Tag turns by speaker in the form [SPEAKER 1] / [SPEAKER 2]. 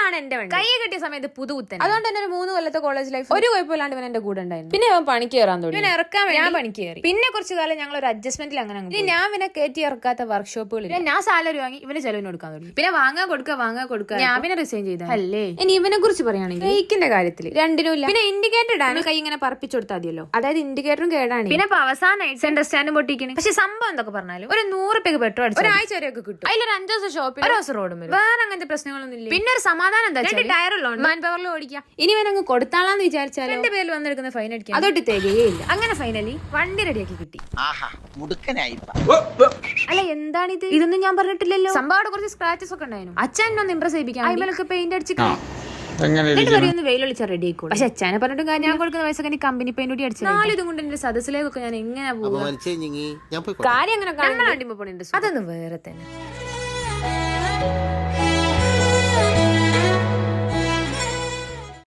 [SPEAKER 1] ഇതാണ് എന്റെ വണ്ടി. കൈ കെട്ടിയ സമയത്ത് പുതുകുത്തൻ. അതുകൊണ്ട് തന്നെ ഒരു 3 കൊല്ലത്തെ കോളേജ് ലൈഫ് ഒരു കുഴപ്പമില്ലാണ്ട് ഇവൻ എന്റെ കൂടെ ഉണ്ടായിരുന്നു. പിന്നെ അവൻ പണിക്ക് കയറാൻ തുടങ്ങി. ഇവൻ ഇറക്കാൻ വേണ്ടി ഞാൻ പണിക്ക് കയറി. പിന്നെ കുറച്ച് കാലം ഞങ്ങൾ ഒരു അഡ്ജസ്റ്റ്മെന്റിൽ അങ്ങനെ ഇനി ഞാൻ ഇവനെ കയറ്റി ഇറക്കാത്ത വർക്ക്ഷോപ്പുകളിൽ ഞാൻ സാലറി വാങ്ങി ഇവന് ചെലവിന് കൊടുക്കാൻ തുടങ്ങി. പിന്നെ വാങ്ങാൻ കൊടുക്കുക ഞാൻ പിന്നെ റിസൈൻ ചെയ്ത അല്ലേ. ഇനി ഇവനെ കുറിച്ച് പറയുകയാണെങ്കിൽ ബ്രേക്കിന്റെ കാര്യത്തിൽ രണ്ടിനും ഇല്ല. പിന്നെ ഇൻഡിക്കേറ്റർ ഇടാൻ കൈ ഇങ്ങനെ പറപ്പിച്ചു കൊടുത്താൽ മതിയല്ലോ. അതായത് ഇൻഡിക്കേറ്ററും കേടാണ്. പിന്നെ അവസാനമായിട്ട് സെന്റർ സ്റ്റാൻഡും പൊട്ടിക്കണം. പക്ഷെ സംഭവം എന്തൊക്കെ പറഞ്ഞാലും ഒരു 100 രൂപയ്ക്ക് പെട്രോൾ അടിച്ചു ഒരാഴ്ച വരെയൊക്കെ കിട്ടും. അതിലൊരു 5 ദിവസം ഷോപ്പിൽ ഒരു ദിവസം റോഡും വരും. വേറെ അങ്ങനത്തെ പ്രശ്നങ്ങളൊന്നും ഇല്ല. പിന്നെ ഒരു സമാധാനം എന്താ ടയറുള്ളൂ മാൻ പവറിൽ ഓടിക്കാം. ഇനി വേണമെങ്കിൽ കൊടുത്താളാന്ന് വിചാരിച്ചാൽ എന്റെ പേരിൽ വന്നെടുക്കുന്ന ഫൈൻ അടിക്കാം. അതൊട്ട് തികയേയില്ല. അങ്ങനെ ഫൈനലി വണ്ടി റെഡിയാക്കി കിട്ടി. അല്ല എന്താണിത്? ഇതൊന്നും ഞാൻ പറഞ്ഞിട്ടില്ലല്ലോ. സംഭവം കുറച്ച് സ്ക്രാച്ചസ് ഒക്കെ ഉണ്ടായിരുന്നു. അച്ഛനൊന്ന് ഇംപ്രസ് ചെയ്യിപ്പിക്കാൻ അയിമലൊക്കെ പെയിന്റ് അടിച്ചിട്ട് വെയിലൊളിച്ച റെഡി ആയിക്കോളും. പക്ഷെ അച്ഛനെ പറഞ്ഞിട്ടും ഞാൻ കൊടുക്കുന്ന പൈസ കമ്പനി പെയിന്റ് കൂടി അടിച്ചു. 4 ഇതും കൊണ്ട് എന്റെ സദസ്സിലേക്കൊക്കെ ഞാൻ എങ്ങനെ പോകും? കാര്യം അങ്ങനെ അതൊന്നും വേറെ തന്നെ.